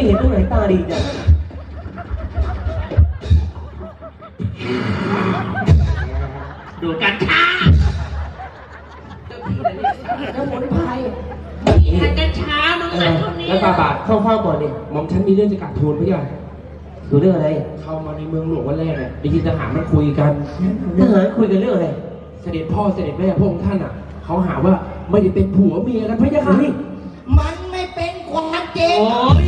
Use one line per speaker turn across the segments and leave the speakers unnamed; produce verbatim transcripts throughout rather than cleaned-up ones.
ไม่เห็นตรงไหนตาดีจ้ะ
ดูกันช้า
สมุนไพร
มีทานกันช้ามึงอ่ะเท่านี้
แล้วบาบาทเข้าข้าวก่อนดิ
หม่อมฉันมีเรื่องจะกราบทูลพระเจ้า
ดูเรื่องอะไร
เข้ามาในเมืองหลวงวันแรกเนี่ยได้ยินทหารมันคุยกัน
ทหารคุยกันเรื่องอะไร
เสด็จพ่อเสด็จแม่พระองค์ท่านอ่ะเขาหาว่าไม่ได้เป็นผัวเมียกันพระเจ้าค่ะ
มันไม่เป็นความจริง
โอ้ย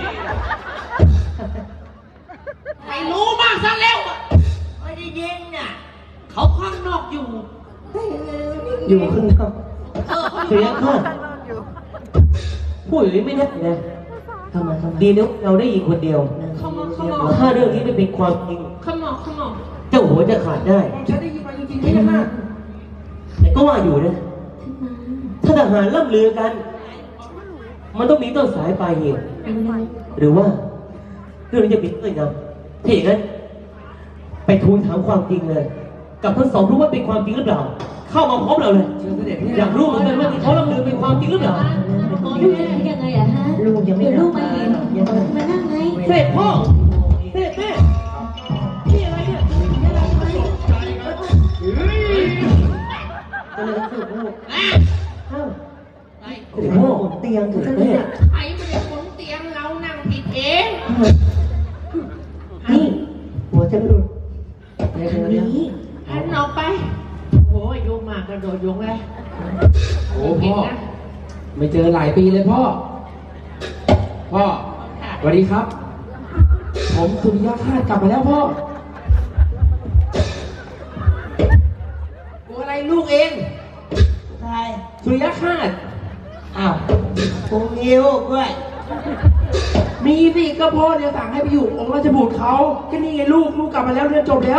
ไม่รู้บ้างซะแล้วอะ
ไม่ได้ยินน่ะ
เขาข้างนอกอยู่
อยู่ข้างนอก
เออเขาอ
เสี
ยู่
ยข้าพูดอย่างนี้ไม่ได้นะทำไมทำไมดีนะเราได้ยินคนเดียว
เขามาเขามา
ถ้าเรื่องนี้ไม่เป็นความจริง
เขามาเขามา
เจ้าหัวจะขาดได้
หม่อมฉันได้ยินมาจริงๆพระเจ้าค่ะ
แต่ก็ว่าอยู่นะ ถ้าทหารล่ำลือกัน มันต้องมีต้นสายปลายเหตุหรือว่าเรื่องนี้จะปิดเงื่อนงำถ้าอย่างนั้น ไปทูลถามความจริงเลย กับทั้งสองรู้ว่าเป็นความจริงหรือเปล่า เข้ามาพร้อมเราเลย
เชิญเสด็จพระ
อ
เจ้าย
ากรู้เหมือนกันว่าที่เขาล่ำลือเป็นความจริงหรือเปล่า
ลูกยังไงอะฮะลูกยังไม่ลูกมาเห็นมานั่งไง
เสด็จพ่อเสด็จแม่นี่อะไรเนี่ยอะไรกันสุดลูกอ้าว
ไอ้
เสด็จพ่อขนเตียงเสด็จแม่
ไอ้ไม่ได้ขนเตียงเรานั่งผิดเอง
นี่หัวจะหลุดเดี๋ยวเดี๋ยว
หันออกไปโอ้ยโยงมากกระโดดโยงเลย
โอ้พ่อไม่เจอหลายปีเลยพ่อพ่อสวัสดีครับ ผมสุริยะคาดกลับมาแล้วพ่อกูอะไรลูกเอง
ใคร
สุริยะคาด
อ้าวกูงิ้วด้วย
มีสิก็พ่อเนี่ยสั่งให้ไปอยู่องค์ราชบุตรเขาก็นี่ไงลูกลูกกลับมาแล้วเรียนจบแล้ว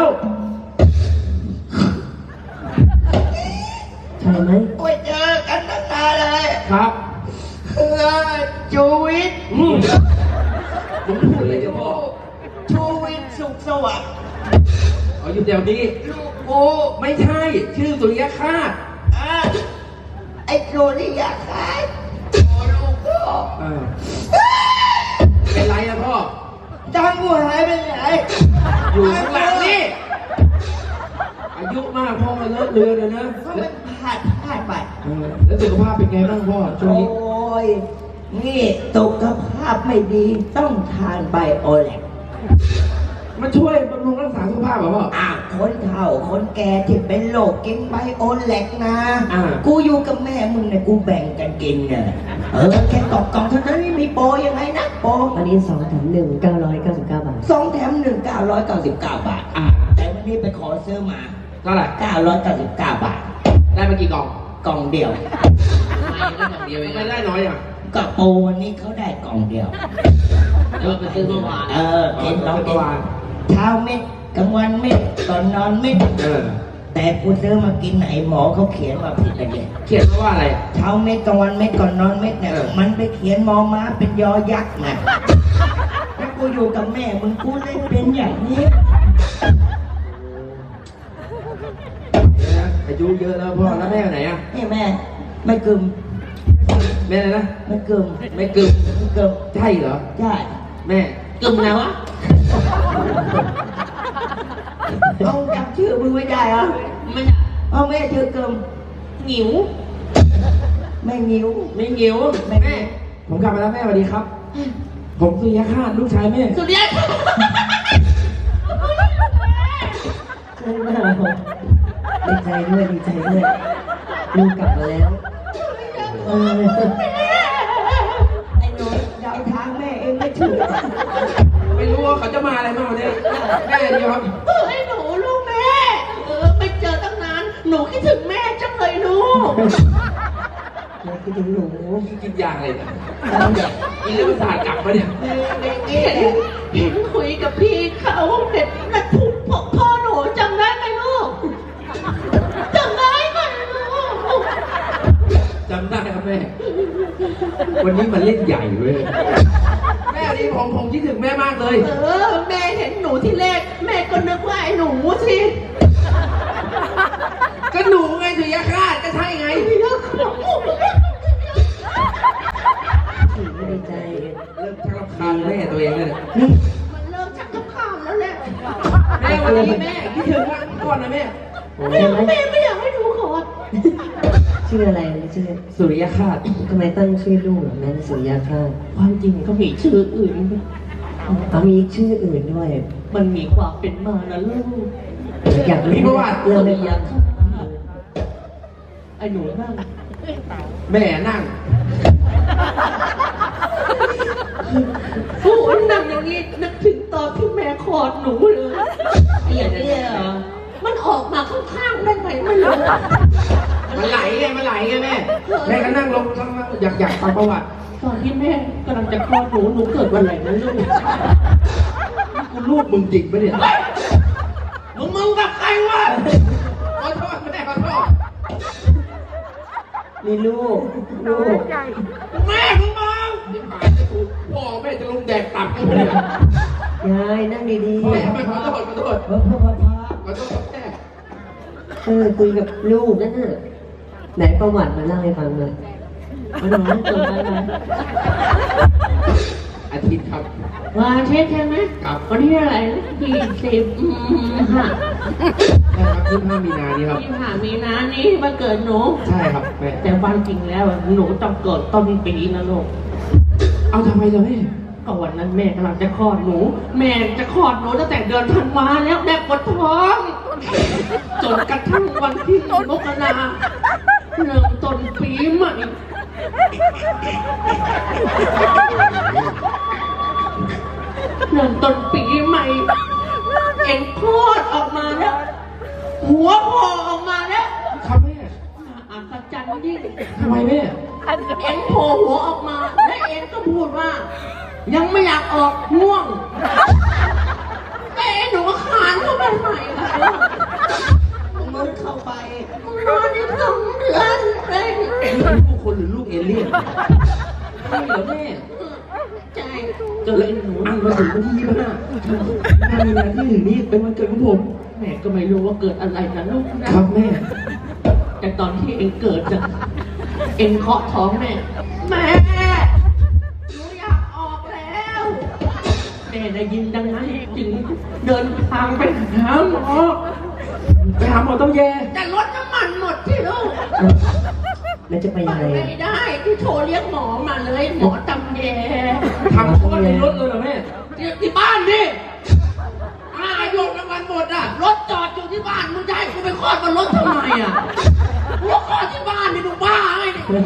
ใช่ไหม
โอ้ยเจอกันตั้งนานเลย
ครับ
เออชูวิทย์
อืมผมพูดเลยเจ้าพ่อ
ชูวิทย์สุขสวัสดิ์
เอาอยู่เดี๋ยวนี้
ลูกกู
ไม่ใช่ชื่อสุริยะคาด
อ่ะไอ้โจนี่อยากขายโอ้ลูกพ่อ
เออเป็นไรอะพ่อ
ตังกูหายไปไหน
อยู่ข้างหลังนี่อายุมากพ่อมาเลอะเลือนเลยนะ
เพราะ
แล้
มั
วน
ผ่านผ่านไป
เออแล้วสุขภาพเป็นไงบ้างพ่อช่วง
โอ้
นี้
ย นี่สุขภาพไม่ดีต้องทานไบโอแลก
มันช่วยบำรุงรักษาสุขภาพเหรอพ่อ
อ่ะคนเฒ่าคนแก่ที่เป็นโรคกินไบโอแลกนะ
อ่า
กูอยู่กับแม่มึงเนี่ยกูแบ่งกันกินเนี่ยเออแค่กล่องกล่องเท่านั้นไม่มีโปรยังไงนะโปร
อันนี้สองแถมหนึ่งเก้าร้อยเก้าสิบเก้าบาท
สองแถมหนึ่งเก้าร้อยเก้าสิบเก้าบาท
อ่า
แต่วันนี้ไปขอซื้อมา
เท่าไหร่
เก้าร้อยเก้าสิบเก้าบาท
ได้มากี่กล่อง
กล่องเดียว
ไม่ได้น้อยอ่ะ
ก็โปรวันนี้เขาได้กล่องเดียว
เออไปซื้อเมื่อวาน
เออกินลอง
เมื่
กิ
อน วาน
เช้าเม็ดกลางวันเม็ดก่อนนอนเม็ด
เออ
แต่กูซื้อมากินไหนหมอเขาเขียนมาผิดอะไรเนี่ย
เขียนมาว่าอะไร
เช้าเม็ดกลางวันเม็ดก่อนนอนเม็ดเนี่ย
เออ
มันไปเขียนมอม้าเป็นยอยักษ์นะแล้วกูอยู่กับแม่มึงกูเลยเป็นอย่างนี้
อายุเยอะแล้วพ่อแล้วแม่ไปไหนอ่ะ
นี่แม่ไม่กึม
แม่อะไรนะ
ไม่กึม
ไม่กึม
ไม่กึม
ใช่เหรอ
ใช่
แม่
กึ่มแล้ววะ
เอาจำชื่อมึงไม่ได้เหรอ
ไม่ใช่
เอาแม่ชื่อกึม
หงิว
แม่งิ้ว
ไม่เงี้ยว
ไม่
แม่ ผมกลับมาแล้วแม่สวัสดีครับ ผมสุริยะคาดลูกชายแม่
สุดยอด
ดีใจด้วยดีใจด้วยลูกกลับมาแล้วเออ
ไอ้หนูเดาทางแม่เองไม่ถูก
ไม่รู้ว่าเขาจะมาอะไรบ้างวันนี้แม่เดียวครับ
เออไอ้หนูลูกแม่เออไปเจอตั้งนานหนูคิดถึงแม่จังเลยลูก
แล้วคิดถึงหนู
กินยาอะไรเนี่ยกินแล้วประสาทกลับมาเนี่ย
เห็นเห็นคุยกับพี่เขาเห็นนัดทุกพ่อพ่อหนูจำได้ไหมลูกจำได้ไหมลูก
จำได้ครับแม่ วันนี้มันเล่นใหญ่เว้ยแม่ดีผมผมคิดถึงแม่มากเลย
เออแม่เห็นหนูที่แรกแม่ก็นึกว่าไอ้หนูสิ
ก็หนูไงสุริยะคาดก็ใช่ไง
ไม่ดีใจ
เริ่มชักรำคาญ
ไม่
ตัวเองเลย
นี่
มันเริ่มชักกระข้ามแล้วแหละ
แม่วันนี้แม่คิดถึงก่อนนะแม่
แม่แม่ไม่อยากให้ดูขอด
ชื่ออะไรชื่อ
สุริยคราส
ทำไมตั้งชื่อลูกแบบนั้นสุริยาคราส
ความจริงก็มีชื่ออื่น
เอามีชื่ออื่นด้วย
มันมีความเป็นมานะลูก
อยากรู้
มีประวัติ
เรื่องไม่ฟัง
ไอ้หนูนั่ง
แม่นั่ง
โอ้ยนั่งอย่างนี้นึกถึงตอนที่แม่คลอดหนูเลยไอ้อย่างเนี้ยเหรอมันออกมาข้างๆได้ไหมไม่รู้
มันไหลไงมันไหลไงแม่แม่ก็นั่งลงนั่งนั่งอยากอยากฟังประวัติ
ตอนที่แม่กำลังจะคลอดหนูหนูเกิดวันไหนนะลูก
กูลูกมึงจริงปะเนี่ยมึงมึงกับใครวะขอโทษแม่ขอโทษ
มีลูกลูก
แม่มึงมองที่หายจะถูกพ่อแม่จะลงแดกตับกันเลย
ยายนั่งดีๆ
แม่ไม่ขอโทษขอโทษ
เออพ่อพ่อพ่อ
ขอโทษแม่
เออคุยกับลูกนั่นน่ะไหนประวัติมาเล่าให้ฟังหน่อยมาหน่อยเกิดอะไรมา
อาทิตย์ครับ
วันอาทิตย์ใช่ไหม
ครับ
วันที่อะไรยี่สิบห้า
ใช่ครับยี่สิบห้ามีนานี้ครับ
ยี่สิบห้ามีนานี้วันเกิดหนู
ใช่ครับแม่
แต่วันจริงแล้วหนูต้องเกิดต้นปีนะลูก
เอาทำไมล่ะแม่
ก็วันนั้นแม่กำลังจะคลอดหนู แม่จะคลอดหนูตั้งแต่เดือนธันวาแล้วแม่ปวดท้องจนกระทั่งวันที่มกราเริ่มต้นปีใหม่เริ่มต้นปีใหม่เอ็นคลอดออกมาแล้ว หัวพอออกมาแล้ว
ครับแม่
อัศจรรย์ยิ่ง
ทำไมแม่
เอ็นโผล่หัวออกมาและเอ็นก็พูดว่า ยังไม่อยากออกง่วงแต่เอ็นหนูก็ขานเข้าไปใหม่ค่ะมึงเข้าไปนอนอีกสองเดือนเลย
ลูกคนหรือลูกเอเลี่ยนใช่เหรอแม่
ใจ
จะเล่นหนูนี่มาถึงวันที่ยี่สิบห้าถ้ามีนาที่ถึงนี้เป็นวันเกิดของผม
แม่ก็ไม่รู้ว่าเกิดอะไรนะลูกนะครับ
แม่
แต่ตอนที่เอ็นเกิดจะเอ็นเคาะท้องแม่แม่หนูอยากออกแล้วแม่ได้ยินดังนั้นจึงเดินทางไปหาหมอ
ไปหาหมอต้องแย่
แต่รถน้ำมันหมดที่ลูก
แล้วจะไป
ไป
ยังไง
ไม่ได้ที่โทรเรียกหมอมาเลยหมอตำแย
ทำคลอดในรถเลยเหรอแม่
ที่ที่บ้านดิอาโยกน้ำมันหมดอ่ะรถจอดอยู่ที่บ้านมึงจะให้กูไปคลอดบนรถทำไมอ่ะกูคลอดที่บ้านนี่มึงบ้าไงเนี่ย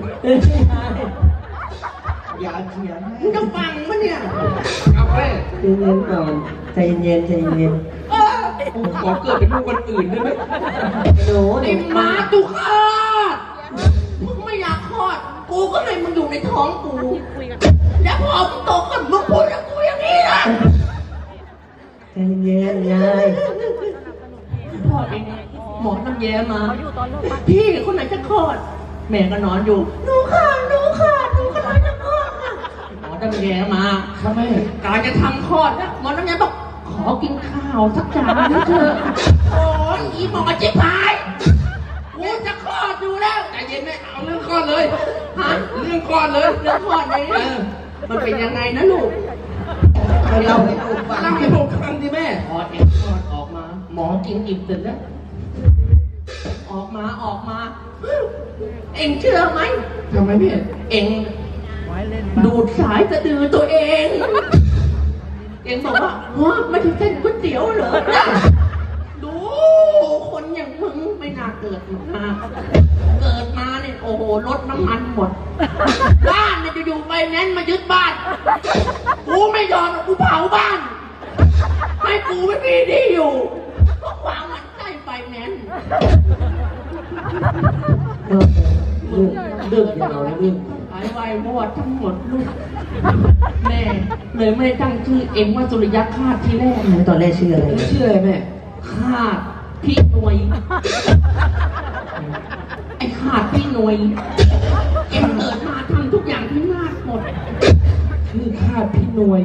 อย่าเถียง
มึงจะฟังปะเนี่ย
เอาแม่
ใจเย็นก่อนใจเย็นใจเย็น
เออ
ผมขอเกิดเป็นลูกคนอื่นได้ไหม
หนู
ไอ้หมาตุคลอดมึงไม่อยากคลอดกูก็เลยมึงอยู่ในท้องกูแล้วพอมึงโตขึ้นมึงพูดกับกูอย่างนี้นะ
ใจเย็นยาย
พ่อเองหมอน้ำแย้มา พี่คนไหนจะคลอด แม่ก็นอนอยู่หนูค่ะหนูค่ะหนูกำลังจะคลอดค่ะหมอน้ำแย้มา
ครับแม่
กำลังจะทำคลอดแล้วหมอน้ำแย้บอกขอกินข้าวสักจานนะเธอะโอ้ยอีหมอจิ๊บหายกูจะคลอดอยู่แล้ว
ใจเย็นแม่เอาเรื่องคลอดเลย
ฮะ
เรื่องคลอดเลย
เรื่องคลอดเลย
เออ
มันเป็นยังไงนะลูก
ให้เราให้ลูกฟัง
เล่าให้ผมฟังดิแม่
พอเองคลอดออกมา หมอกินอิ่มเสร็จแล้วออกมาออกมา เอ็งเชื่อไหม
ทำไมแม่
เอ็งดูดสายสะดือตัวเอง เอ็งบอกว่าฮะไม่ใช่เส้นก๋วยเตี๋ยวเหรอดูคนอย่างมึงไม่น่าเกิดมา เกิดมาเนี่ยโอ้โหรถน้ำมันหมด บ้านเนี่ยจะอยู่ไปแนนซ์มายึดบ้าน กูไม่ยอมหรอกกูเผาบ้าน ให้กูไม่มีที่อยู่เพราะความมันใกล้ไฟแนนซ์
เรื่องเรื่องยาวนะเรื่อง
หายไววอดทั้งหมดลูก แม่เลยไม่ได้ตั้งชื่อเอ็งว่าสุริยคราสทีแรก
ตอนแรกชื่ออะไร
ชื่ออะไรแม่
คราสพี่หน่วย ไอ้คราสพี่หน่วย เอ็งเกิดมาทำทุกอย่างที่นาดหมด
ชื่อคาดพี่หนวย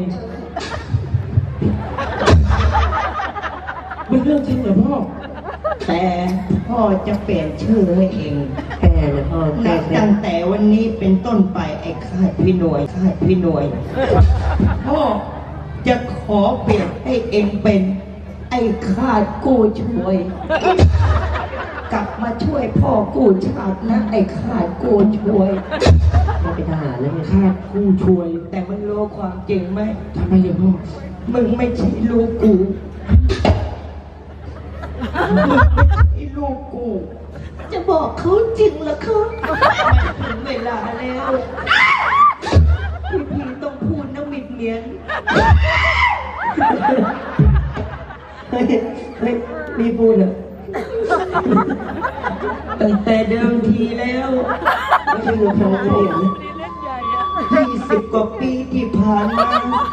เป็นเรื่องจริงเหรอพ่อ
แต่พ่อจะเปลี่ยนชื่อให้เอง
แปลงนะพ่อแก้
นับ
เคล็
ตั้
ด
งแต่วันนี้เป็นต้นไปไอ้ข้าพี่หน่วยข้าพี่หน่วยพ่อจะขอเปลี่ยนให้เองเป็น ไอ้ข้ากู้ช่วย กลับมาช่วยพ่อกู้ชาตินะ ไอ้ข้ากู้ช่วย
ไม่เป็นทหารแล้วเนี่ย
ข้าผู้ช่วย
แต่มันรู้ความจริงไหม
ทำไมเนี่ยพ่อ
มึงไม่ใช่ลูกกูมึงไม่ใช่ลูกกู จะบอกเขาจริงเหรอครับถึงเวลาแล้วพี่พีต้องพูดน้ำมิดเมียน
เฮ้ยเฮ้ยมีพูดเหรอ
ตั้งแต่เดิมทีแล้ว
ไม่ใช่เงินทองไม่เห็นนะ
ยี่สิบกว่าปีที่ผ่านมา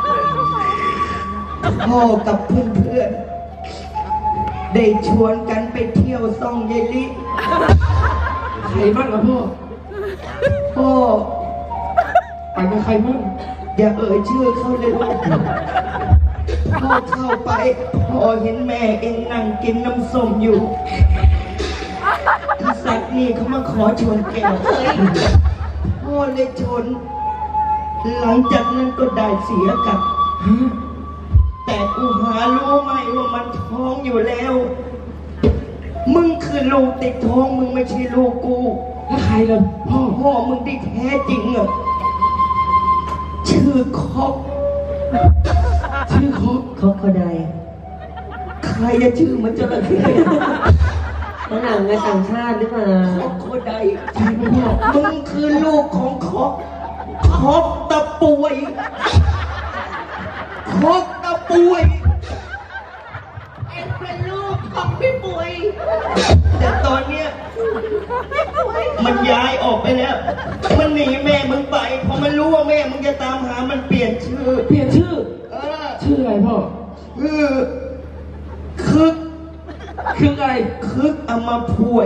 พ่อกับเพื่อนๆได้ชวนกันไปเที่ยวซ่องเยลิ
ใครบ้างอะพ่อ
พ่อ
ไปกับใครบ้าง
อย่าเอ่ยชื่อเขาเลยลูกพ่อเข้าไปพ่อเห็นแม่เองนั่งกินน้ำส้มอยู่อีสัตว์นี่เขามาขอชวนแก้วพ่อเลยชน หลังจากนั้นก็ได้เสียกับ แต่กูหารู้ไหมว่ามันท้องอยู่แล้ว มึงคือลูกติดท้องมึงไม่ใช่ลูกกู
แล้วใครล่ะพ่อ
พ่อมึงที่แท้จริงอ่ะชื่อคอก
ชื่อครบ
เขาเขาใด
ใครจะชื่อมันจระเข้
ฝรั่งในต่างชาติหรือเปล่า
คอกโคไดใช่ไหมพ่อมึงคือลูกของคอกคอกตะป่วยคอกตะป่วย
เอ็งเป็นลูกของพี่ปุ๋ย
แต่ตอนเนี้ยมันย้ายออกไปแล้ว มันหนีแม่มึงไปพอมันรู้ว่าแม่มึงจะตามหามันเปลี่ยนชื่อ
เปลี่ยนชื่อ
เออ
ชื่ออะไรพ่อ
คือคึก
คืออะไร
คึกเอามาพวย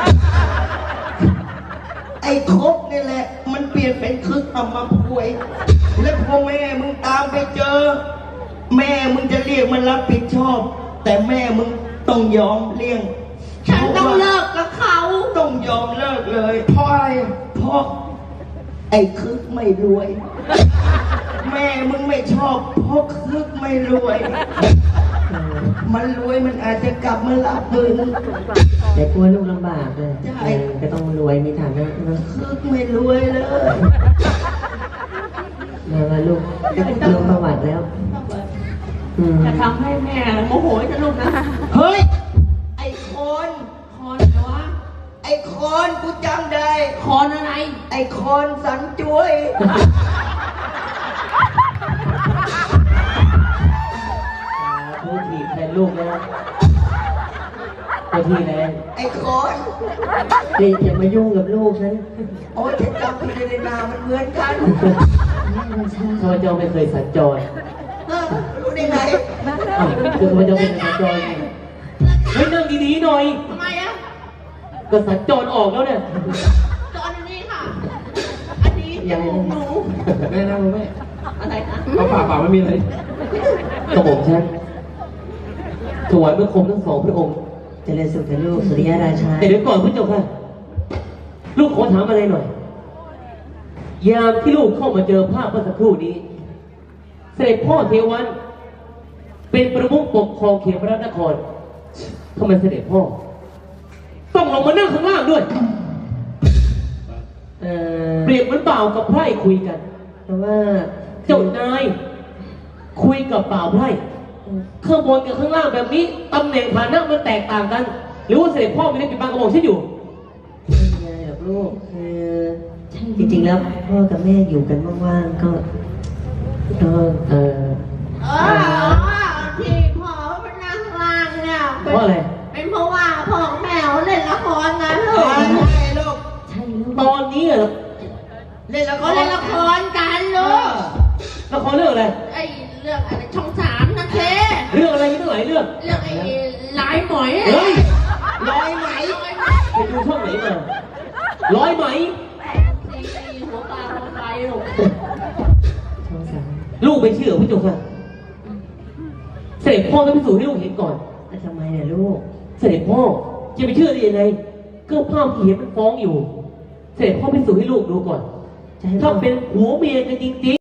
ไอ้คกนี่แหละ มันเปลี่ยนเป็นคึกเอามาพวย แล้วพอแม่มึงตามไปเจอ แม่มึงจะเรียกมันรับผิดชอบ แต่แม่มึงต้องยอมเลี้ยง
ฉันต้องเลิกกับเขา
ต้องยอมเลิกเลย
เพราะอะไรอะ
เพราะไอ้คึกไม่รวย แม่มึงไม่ชอบเพราะคึกไม่รวย
เออ
มันรวยมันอาจจะกลับมารับมึง
แต่กลัวลูกลำบากเลย
ใช่
เออก็ต้องรวยมีฐานะนะ
คึกไม่รวยเลย
มามาลูกลงประวัติแล้วอืม
จะทำให้แม่โมโหจะลูกนะ
เฮ้ย ไอ้คอน
คอนเหรอวะ
ไอ้คอนกูจำได้
คอนอะไร
ไอ้คอนสันจวย
พูดถีบแทนลูกนะตัวทีแรง
ไอ้คอน
เฮ้ยอย่ามายุ่งกับลูกฉัน
โอ้ยฉันจำผิดในนามมันเหมือนกัน
ข้าพเจ้าไม่เคยสัญจร
เออรู้ได้ไง
อ้าวคือข้าพเจ้าเป็นสัญจรเฮ้ยนั่งดีๆหน่อย
ทำไมอะ
ก็สัญจรออกแล้วเนี่ย
ตอนนี้ค่ะ อันนี้จมูกหนู
แม่นั่งลงแม่
อะไรนะ
เอาปากเปล่าไม่มีอะไร
กระผมฉันถวายพระคมทั้งสองพระองค์
เจริญสุขเถอะลูกสุริยราชา
แต่เดี๋ยวก่อนพระเจ้าค่ะ ลูกขอถามอะไรหน่อย ยามที่ลูกเข้ามาเจอภาพเมื่อสักครู่นี้ เสด็จพ่อเทวัน เป็นประมุขปกครองเขตพระนครทำไมเสด็จพ่อ ต้องลงมานั่งข้างล่างด้วย
เออ
เปรียบเหมือนเปล่ากับไพร่คุยกัน
เพราะว่า
เจ้านาย คุยกับเปล่าไพร่ข้างบนกับข้างล่างแบบนี้ตำแหน่งฐานะมันแตกต่างกัน หรือว่าเสด็จพ่อไม่ได้ปิดบังกระบอกฉันอยู่
ไม่มีอะไรหรอกลูกคือจริงๆแล้วพ่อกับแม่อยู่กันว่างๆก็ก็เออ
เออที่พ่อเป็นนางล่างเนี่ย
เพราะอะไร
เป็นเพราะว่าพ่อแม่เล่นละครนะลูก
ใช่ลูก
ใช่ลูก
ตอนนี้เหรอ
เล่นละค
เขา
ร
เล่นละครกันลูก
ละครเรื่องอะไร
ไอ้เรื่องอะไรช่องสามนะเค
เรื่องอะไรมีตั้งหลายเรื่อง
เรื่องไอ้ลายหมอย
เฮ้ย
ร้อยไหม
ไปดูช่องไหนมา ร้อยไหม
สีหัวปลาหัวไปลูก
ช่องสาม
ลูกไม่เชื่อพี่จุกค่ะ เสด็จพ่อต้องพิสูจน์ให้ลูกเห็นก่อน
แล้วทำไมเนี่ยลูก
เสด็จพ่อจะไปเชื่อได้ยังไงก็ภาพที่เห็นมันฟ้องอยู่เสร็จพ่อพิสูจน์ให้ลูกดูก่อน
จะให้พ่
ถ้า
อ
เป็นผัวเมียกันจริงๆ